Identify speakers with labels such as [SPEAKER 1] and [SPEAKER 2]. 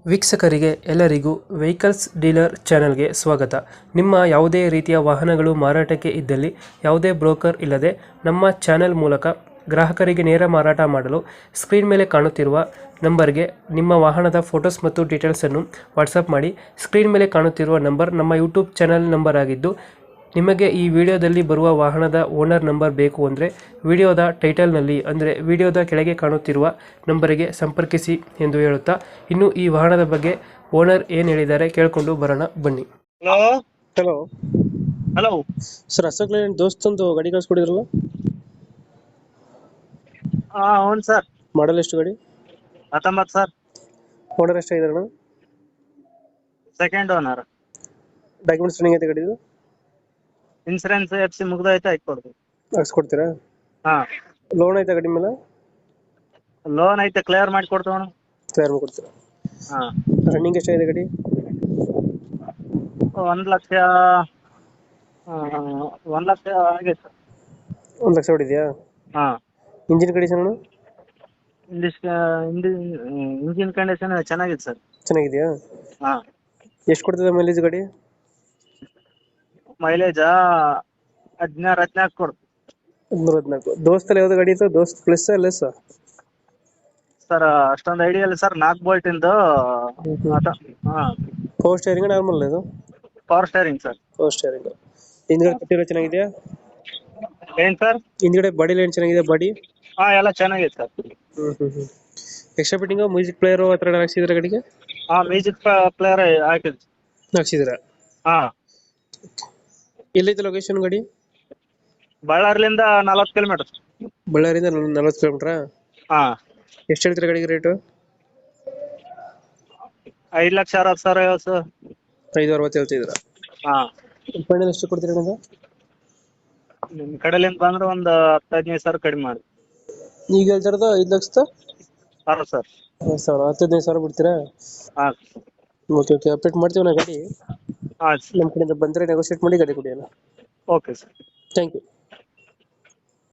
[SPEAKER 1] ವೀಕ್ಷಕರಿಗೆ ಎಲ್ಲರಿಗೂ vehicles dealer ಚಾನೆಲ್ಗೆ ಸ್ವಾಗತ. ನಿಮ್ಮ ಯಾವುದೇ ರೀತಿಯ ವಾಹನಗಳು ಮಾರಾಟಕ್ಕೆ ಇದ್ದಲ್ಲಿ ಯಾವುದೇ ಬ್ರೋಕರ್ ಇಲ್ಲದೆ ನಮ್ಮ ಚಾನೆಲ್ ಮೂಲಕ ಗ್ರಾಹಕರಿಗೆ ನೇರ ಮಾರಾಟ ಮಾಡಲು ಸ್ಕ್ರೀನ್ ಮೇಲೆ ಕಾಣುತ್ತಿರುವ ನಂಬರ್ಗೆ ನಿಮ್ಮ ವಾಹನದ ಫೋಟೋಸ್ ಮತ್ತು ಡೀಟೇಲ್ಸನ್ನು ವಾಟ್ಸಪ್ ಮಾಡಿ. ಸ್ಕ್ರೀನ್ ಮೇಲೆ ಕಾಣುತ್ತಿರುವ ನಂಬರ್ ನಮ್ಮ ಯೂಟ್ಯೂಬ್ ಚಾನೆಲ್ ನಂಬರ್ ಆಗಿದ್ದು, ನಿಮಗೆ ಈ ವಿಡಿಯೋದಲ್ಲಿ ಬರುವ ವಾಹನದ ಓನರ್ ನಂಬರ್ ಬೇಕು ಅಂದರೆ ವಿಡಿಯೋದ ಟೈಟಲ್ನಲ್ಲಿ ಅಂದರೆ ವಿಡಿಯೋದ ಕೆಳಗೆ ಕಾಣುತ್ತಿರುವ ನಂಬರಿಗೆ ಸಂಪರ್ಕಿಸಿ ಎಂದು ಹೇಳುತ್ತಾ, ಇನ್ನು ಈ ವಾಹನದ ಬಗ್ಗೆ ಓನರ್ ಏನು ಹೇಳಿದ್ದಾರೆ ಕೇಳಿಕೊಂಡು ಬರೋಣ ಬನ್ನಿ.
[SPEAKER 2] Hello
[SPEAKER 1] hello
[SPEAKER 2] hello
[SPEAKER 1] sir, Ashok Leyland ದೋಸ್ತಂದು ಗಾಡಿ ಕಳಿಸ್ಕೊಡಿದ್ರಲ್ಲ,
[SPEAKER 2] అవును ಸರ್.
[SPEAKER 1] ಮಾಡಲ್ ಎಷ್ಟು ಗಾಡಿ?
[SPEAKER 2] 19 ಸರ್.
[SPEAKER 1] ಓನರ್ ಎಷ್ಟಾಗಿದಾರಣ?
[SPEAKER 2] Second owner.
[SPEAKER 1] ಡಾಕ್ಯುಮೆಂಟ್ಸ್ ರನ್ನಿಂಗ್ ಐತೆ ಗಾಡಿದು?
[SPEAKER 2] ಇನ್ಸೂರೆನ್ಸ್ FC ಮುಗ್ದೈತೆ, ಹಾಕೊಡ್ತೀವಿ.
[SPEAKER 1] ಹಾಕ್ಸ್ಕೊಡ್ತೀರಾ?
[SPEAKER 2] ಹಾ,
[SPEAKER 1] ಲೋನ್ ಐತೆ ಗಾಡಿ ಮೇಲೆ?
[SPEAKER 2] ಲೋನ್ ಐತೆ, ಕ್ಲಿಯರ್ ಮಾಡಿ ಕೊಡ್ತೇವಣ.
[SPEAKER 1] ಕ್ಲಿಯರ್ ಮಾಡ್ಕೊಡ್ತೀರಾ?
[SPEAKER 2] ಹಾ,
[SPEAKER 1] ರನ್ನಿಂಗ್ ಎಷ್ಟಾಗಿದೆ ಗಾಡಿ?
[SPEAKER 2] 1 ಲಕ್ಷ 1 ಲಕ್ಷ ಆಗೈತೆ ಸರ್.
[SPEAKER 1] 1 ಲಕ್ಷ ಹೊಡಿದೆಯಾ?
[SPEAKER 2] ಹಾ,
[SPEAKER 1] ಇಂಜಿನ್ ಕಂಡೀಷನ್?
[SPEAKER 2] ಇಂಜಿನ್ ಕಂಡೀಷನ್ ಚೆನ್ನಾಗಿದೆ ಸರ್.
[SPEAKER 1] ಚೆನ್ನಾಗಿದೆಯಾ?
[SPEAKER 2] ಹಾ,
[SPEAKER 1] ಎಷ್ಟು ಕೊಡ್ತದೆ ಮೈಲೇಜ್ ಗಾಡಿ?
[SPEAKER 2] ಮೈಲೇಜ್ 16 ಕೊಡ್ತೀವಿ
[SPEAKER 1] 14. ದೋಸ್ತಲ್ಲಿ ಯಾವ್ದು ಗಾಡಿ ಇತ್ತು? Dost plus less?
[SPEAKER 2] ಸರ್. ಅಷ್ಟೊಂದು ಐಡಿಯಾ ಇಲ್ಲ ಸರ್. 4 ಬೋಲ್ಟ್ ಇಂದು. ಹಾ,
[SPEAKER 1] ಪವರ್ ಸ್ಟೇರಿಂಗ್ ನಾರ್ಮಲ್ ಇದು?
[SPEAKER 2] Power steering sir.
[SPEAKER 1] Power steering. ಹಿಂದ್ಗಡೆ ಕಟ್ಟಿರೋ ಚೆನ್ನಾಗಿದೆಯಾ?
[SPEAKER 2] ಏನ್ ಸರ್?
[SPEAKER 1] ಹಿಂದ್ಗಡೆ ಬಾಡಿ ಲೈನ್ ಚೆನ್ನಾಗಿದೆ? ಬಾಡಿ
[SPEAKER 2] ಎಲ್ಲ ಚೆನ್ನಾಗಿದೆ sir.
[SPEAKER 1] Extra fitting music player ಆ ಥರ ಹಾಕ್ಸಿದ್ರೆ ಗಾಡಿಗೆ?
[SPEAKER 2] ಮ್ಯೂಸಿಕ್ ಪ್ಲೇಯರ್ ಹಾಕಿದ್.
[SPEAKER 1] ಹಾಕ್ಸಿದ್ರ?
[SPEAKER 2] ಹಾ,
[SPEAKER 1] ಎಲ್ಲೈತೆ ಲೊಕೇಶನ್ ಗಾಡಿ?
[SPEAKER 2] ಬಳ್ಳಾರಿಲಿಂದ 40 ಕಿಲೋಮೀಟರ್.
[SPEAKER 1] ಬಳ್ಳಾರಿಯಿಂದ 40 ಕಿಲೋಮೀಟ್ರಾ?
[SPEAKER 2] ಹಾ,
[SPEAKER 1] ಎಷ್ಟು ಹೇಳ್ತೀರಾ ಗಾಡಿಗೆ ರೇಟು?
[SPEAKER 2] 5,60,000 ಸರ್.
[SPEAKER 1] 560 ಹೇಳ್ತಿದ್ದೀರಾ?
[SPEAKER 2] ಹಾ,
[SPEAKER 1] ಫೈನಲ್ ಎಷ್ಟು ಕೊಡ್ತೀರಾ ನನಗೆ?
[SPEAKER 2] ನಿಮ್ ಕಡೆಲಿಂದ ಬಂದ್ರೆ ಒಂದು 10-15 ಸಾವಿರ ಕಡಿಮೆ ಮಾಡಿ.
[SPEAKER 1] ಈಗ ಹೇಳ್ತಾರದ 5,60,000?
[SPEAKER 2] ಸರ್.
[SPEAKER 1] 10,15 ಸಾವಿರ ಬಿಡ್ತೀರಾ?
[SPEAKER 2] ಹಾ,
[SPEAKER 1] ಓಕೆ ಓಕೆ, ಅಪ್ಡೇಟ್ ಮಾಡ್ತೀವಿ ನಾ ಗಾಡಿ.
[SPEAKER 2] ಹಾ
[SPEAKER 1] ನಮ್ಮ ಕಡೆಯಿಂದ ಬಂದರೆ ನೆಗೋಷಿಯೇಟ್ ಮಾಡಿ ಗಾಡಿ ಕೊಡಿ ಅಲ್ಲ.
[SPEAKER 2] Okay sir.
[SPEAKER 1] Thank you.